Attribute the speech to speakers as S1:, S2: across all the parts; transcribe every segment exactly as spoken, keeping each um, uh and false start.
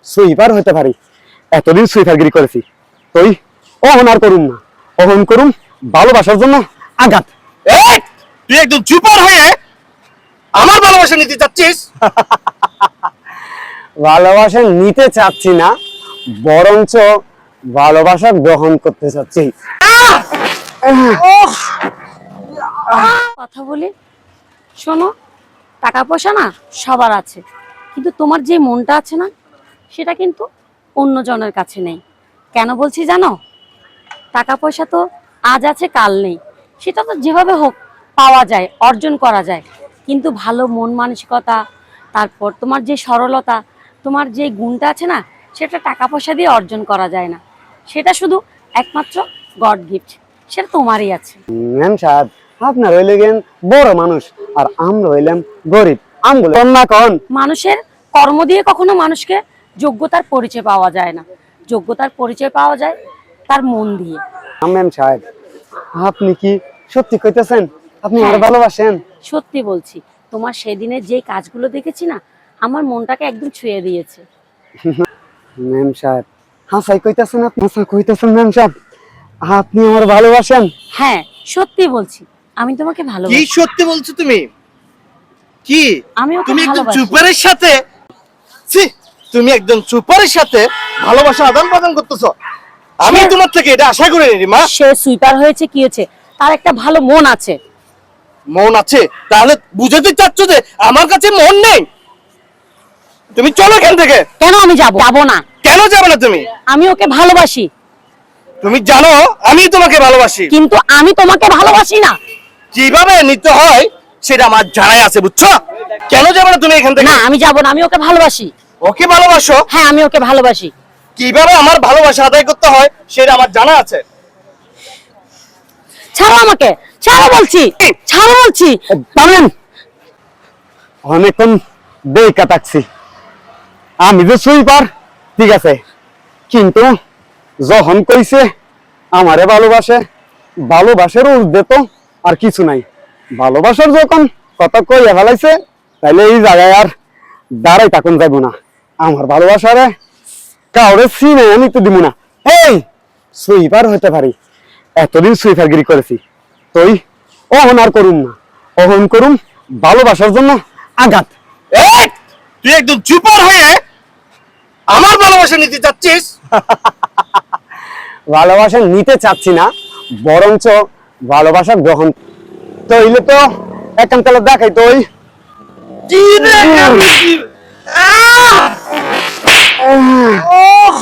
S1: Sweeper হতে পারি। এতদিন সুইপারগিরি করেছি, তুই অহন আর করুম না। অহন করুম ভালোবাসার জন্য আঘাত।
S2: এই, তুই একদম চুপার হয়ে আমার ভালোবাসা নিতে চাচ্ছিস?
S1: ভালোবাসা নিতে চাচ্ছি না, বরঞ্চ ভালোবাসা গ্রহণ করতে চাচ্ছি।
S3: কথা বলি, শোনো, টাকা পয়সা না সবার আছে, কিন্তু তোমার যে মনটা আছে না, সেটা কিন্তু অন্য জনের কাছে নেই। কেন বলছি জানো? টাকা পয়সা তো আজ আছে কাল নেই, সেটা তো যেভাবে হোক পাওয়া যায়, অর্জন করা যায়, কিন্তু ভালো মন মানসিকতা, তারপর তোমার যে সরলতা, তোমার যে গুণটা আছে না, সেটা টাকা পয়সা দিয়ে অর্জন করা যায় না। সেটা শুধু একমাত্র গড গিফট, সেটা তোমারই আছে।
S1: ম্যাম সাহেব, আপনার হইলে গেন বড় মানুষ, আর আমরা হইলাম গরিব। আমগুলো না কন।
S3: মানুষের কর্ম দিয়ে কখনো মানুষকে যোগ্যতার পরিচয় পাওয়া যায় না, যোগ্যতার পরিচয় পাওয়া যায় তার মন দিয়ে।
S1: ম্যাম সাহেব, আপনি কি সত্যি কইতেছেন আপনি আমার ভালোবাসেন?
S3: সত্যি বলছি, তোমার সেদিনের যে কাজগুলো দেখেছি না, আমার মনটাকে একদম ছুঁয়ে দিয়েছে।
S1: ম্যাম সাহেব, হাসাই কইতেছেন আপনি? হাসা কইতেছেন ম্যাম সাহেব, আপনি আমার ভালোবাসেন?
S3: হ্যাঁ, সত্যি বলছি, আমি তোমাকে
S2: কি
S3: ভালোবাসি।
S2: সত্যি বলছো তুমি? কি
S3: আমি ওকে
S2: তুমি একদম
S3: ভালোবাসি।
S2: চুপারের সাথে ছি, তুমি একদম চুপারের সাথে ভালোবাসা আদান প্রদান করতেছো? আমি
S3: সে-
S2: তোমার থেকে এটা আশা করিনি মা।
S3: সে সুইপার হয়েছে, কি হয়েছে, তার একটা ভালো মন আছে।
S2: মন আছে, তাহলে বুঝাতে চাচ্ছ যে আমার কাছে মন নেই? তুমি চলো এখান থেকে।
S3: কেন আমি যাব যাব না?
S2: কেন যাবে না তুমি?
S3: আমি ওকে ভালোবাসি,
S2: তুমি জানো আমি তোমাকে ভালোবাসি।
S3: কিন্তু আমি তোমাকে ভালোবাসি না।
S2: কিভাবে নিতে হয় সেটা আমার জানাই আছে, বুঝছো? কেন যাবে না তুমি এখান থেকে?
S3: না, আমি যাব না, আমি ওকে ভালোবাসি।
S2: ওকে ভালোবাসো?
S3: হ্যাঁ, আমি ওকে ভালোবাসি।
S2: কিভাবে আমার ভালোবাসা আদায় করতে হয় সেটা আমার জানা আছে।
S3: ছাড়ো আমাকে, ছাড়ো বলছি, ছাড়ো বলছি।
S1: জানেন, অনেকক্ষণ দেখা থাকছি, আমি যে সুইপার ঠিক আছে, কিন্তু যখন কইছে আমারে ভালোবাসে, ভালোবাসার ঊর্ধ্বে তো আর কিছু নাই। ভালোবাসার যখন কথা কইয়া ফেলাইছে, তাইলে এই জায়গায় আর দাঁড়াই থাকুন যাইব না। আমার ভালোবাসারে কাউরে চিনে আমি তো দিব না। এই সুইপার হতে পারি, এতদিন সুইপারগিরি করেছি, তুই অহন আর করুম না। অহন করুম ভালোবাসার জন্য আঘাত।
S2: এই, তুই একদম চুপার হয়ে আমার ভালোবাসা নিতে চাচ্ছিস?
S1: ভালোবাসা নিতে চাচ্ছি না, বরঞ্চ ভালোবাসা গ্রহণ। তো হইলে তো একান্ত দেখাই তো ওই
S2: কি রে? আহ! ওহ!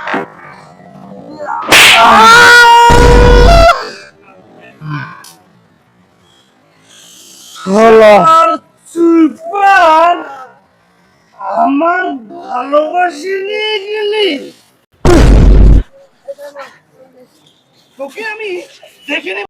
S1: হলো।
S2: আর চুপার আমার ভালোবাসি নিয়ে গেলি? তোকে আমি দেখে